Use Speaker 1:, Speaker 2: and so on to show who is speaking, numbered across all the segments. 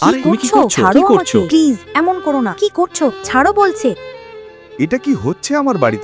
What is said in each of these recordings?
Speaker 1: আরে তুমি কি করছো?
Speaker 2: ছাড়ো
Speaker 1: কি করছো?
Speaker 2: আমাকে প্লিজ, এমন করো না। কি করছো? ছাড়ো বলছে।
Speaker 3: এটা কি হচ্ছে আমার বাড়িতে?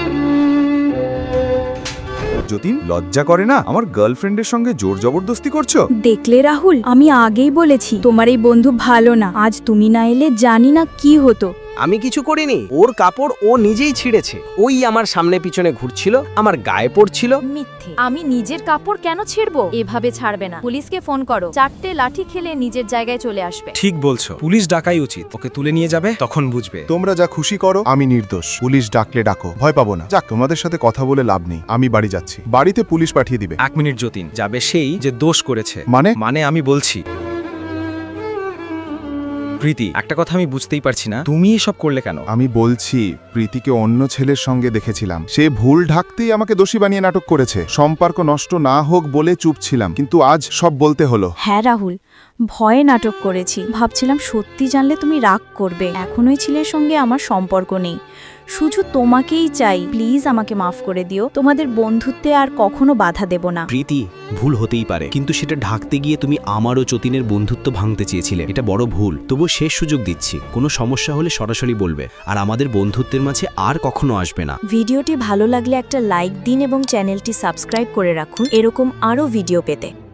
Speaker 3: যতীন, লজ্জা করে না? আমার গার্লফ্রেন্ডের সঙ্গে জোর জবরদস্তি করছো?
Speaker 4: দেখলে রাহুল, আমি আগেই বলেছি তোমার এই বন্ধু ভালো না। আজ তুমি না এলে জানি না কি হতো।
Speaker 1: আমি কিছু করিনি, ওর কাপড় ও নিজেই ছিঁড়েছে। ওই আমার সামনে পিছনে ঘুরছিল, আমার গায়ে পড়ছিল।
Speaker 5: মিথ্যে। আমি নিজের কাপড় কেন ছিড়বো? এভাবে ছাড়বে না। পুলিশকে ফোন করো, 4টে লাঠি খেলে নিজের জায়গায় চলে আসবে।
Speaker 6: ঠিক বলছো, পুলিশ ডাকাই উচিত। ওকে তুলে নিয়ে যাবে, তখন বুঝবে।
Speaker 7: তোমরা যা খুশি করো, আমি নির্দোষ। পুলিশ ডাকলে ডাকো, ভয় পাবো না। যাক, তোমাদের সাথে কথা বলে লাভ নেই। আমি বাড়ি যাচ্ছি। বাড়িতে পুলিশ পাঠিয়ে দিবে।
Speaker 6: 1 মিনিট যতীন, যাবে সেই যে দোষ করেছে।
Speaker 7: মানে
Speaker 6: আমি বলছি প্রীতি, একটা কথা আমি বুঝতেই পারছি না, তুমি এসব করলে কেন?
Speaker 7: আমি বলছি, প্রীতিকে অন্য ছেলের সঙ্গে দেখেছিলাম। সে ভুল ঢাকতেই আমাকে দোষী বানিয়ে নাটক করেছে। সম্পর্ক নষ্ট না হোক বলে চুপ ছিলাম, কিন্তু আজ সব বলতে হলো।
Speaker 4: হ্যাঁ রাহুল, ভয়ে নাটক করেছি। ভাবছিলাম সত্যি জানলে তুমি রাগ করবে। এখন ওই ছেলের সঙ্গে আমার সম্পর্ক নেই, শুধু তোমাকেই চাই। প্লিজ আমাকে মাফ করে দিও। তোমাদের বন্ধুত্বে আর কখনো বাধা দেব না।
Speaker 8: প্রীতি, ভুল হতেই পারে, কিন্তু সেটা ঢাকতে গিয়ে তুমি আমার ও যতীনের বন্ধুত্ব ভাঙতে চেয়েছিলে। এটা বড় ভুল। তবুও শেষ সুযোগ দিচ্ছি, কোনো সমস্যা হলে সরাসরি বলবে, আর আমাদের বন্ধুত্বের মাঝে আর কখনো আসবে না।
Speaker 2: ভিডিওটি ভালো লাগলে একটা লাইক দিন এবং চ্যানেলটি সাবস্ক্রাইব করে রাখুন এরকম আরও ভিডিও পেতে।